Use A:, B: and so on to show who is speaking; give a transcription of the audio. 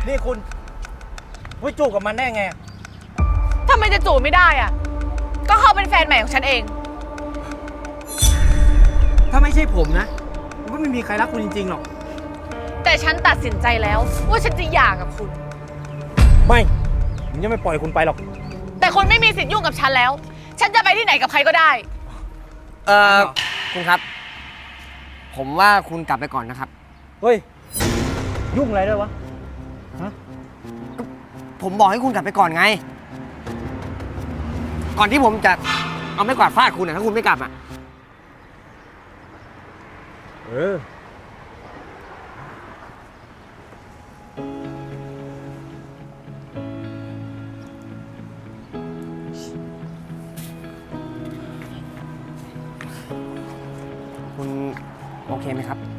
A: นี่คุณไม่จูบกับมันได้ไง
B: ทำไมจะจูบไม่ได้อ่ะ ก็เขาเป็นแฟนใหม่ของฉันเอง
A: ถ้าไม่ใช่ผมนะก็ไม่มีใครรักคุณจริงๆหรอก
B: แต่ฉันตัดสินใจแล้วว่าฉันจะหย่ากับคุณ
A: ไม่ผมยังไม่ปล่อยคุณไปหรอก
B: แต่คุณไม่มีสิทธิ์ยุ่งกับฉันแล้ว ฉันจะไปที่ไหนกับใครก็ได้
C: คุณครับ ผมว่าคุณกลับไปก่อนนะครับ
A: เฮ้ย ยุ่งอะไรด้วยวะ
C: ผมบอกให้คุณกลับไปก่อนไง ก่อนที่ผมจะเอาไม้กวาดฟาดคุณนะถ้าคุณไม่กลับอ่ะ
A: เออ
C: คุณโอเคไหมครับ